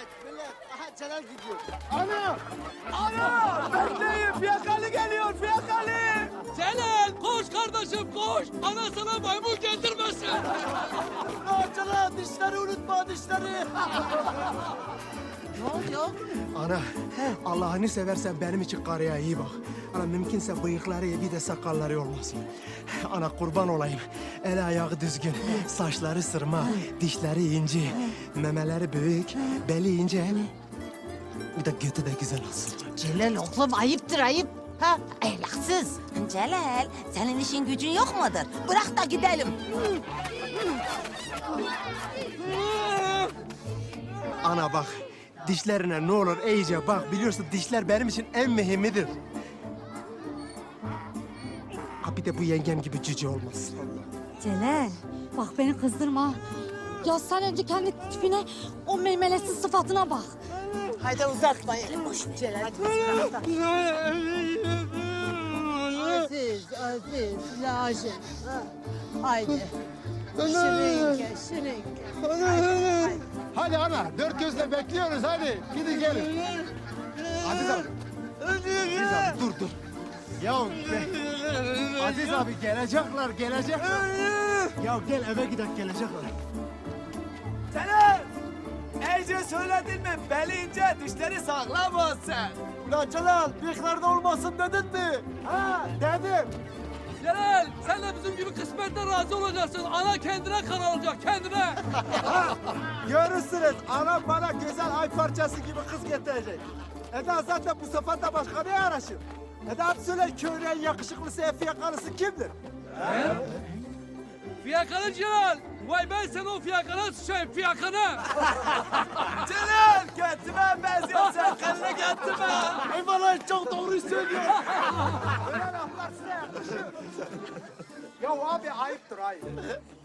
millet. Aha Celal gidiyor. Ana! Ana! Bekleyin! Fiyakalı geliyor! Fiyakalı! Celal koş kardeşim koş. Ana sana maymun getirmesin. Aa Celal dişleri unutma dişleri. Ne oluyor? Ana, Allah'ını seversen benim için karıya iyi bak. Ana mümkünse bıyıkları bir de sakalları olmasın. Ana kurban olayım. El ayağı düzgün, saçları sırma, dişleri ince, memeleri büyük, beli ince. Bir de götü de güzel olsun. Celal oğlum ayıptır ayıp. Ha, ahlaksız. Celal, senin işin gücün yok mudur? Bırak da gidelim. Ana bak, dişlerine ne olur iyice bak. Biliyorsun dişler benim için en mühimidir. Ha bir de bu yengem gibi cüce olmasın. Celal, bak beni kızdırma. Ya sen önce kendi tipine, o meymeletsiz sıfatına bak. Haydi uzatmayın. Boş ver. Celal. Aziz, lazım. Haydi. Şirinke, şirinke. Hadi ana, dört gözle bekliyoruz hadi. Gidin gelin. Aziz abi. Aziz abi dur. Ya Aziz abi gelecekler. Ya gel eve gidelim gelecekler. Celal! Ece söyledin mi? Beli ince, dişleri sağlam olsun. Ulan Celal bıyıklarda olmasın dedin mi? Ha, dedim. Celal sen de bizim gibi kısmetten razı olacaksın. Ana kendine kan alacak kendine. Görürsünüz, anam bana güzel ay parçası gibi kız getirecek. Eda zaten bu sefer de başka ne araşır? Eda hadi söyle köyün en yakışıklısı, en fiyakalısı kimdir? Fiyakalı Celal. Vay ben sana o fiyakana sıçayım fiyakana. Celal, götüme benziyor sen, kendine götüme. Eyvallah çok doğru söylüyor. Öyle laflar size yakışır. Ya abi ayıptır ayıp.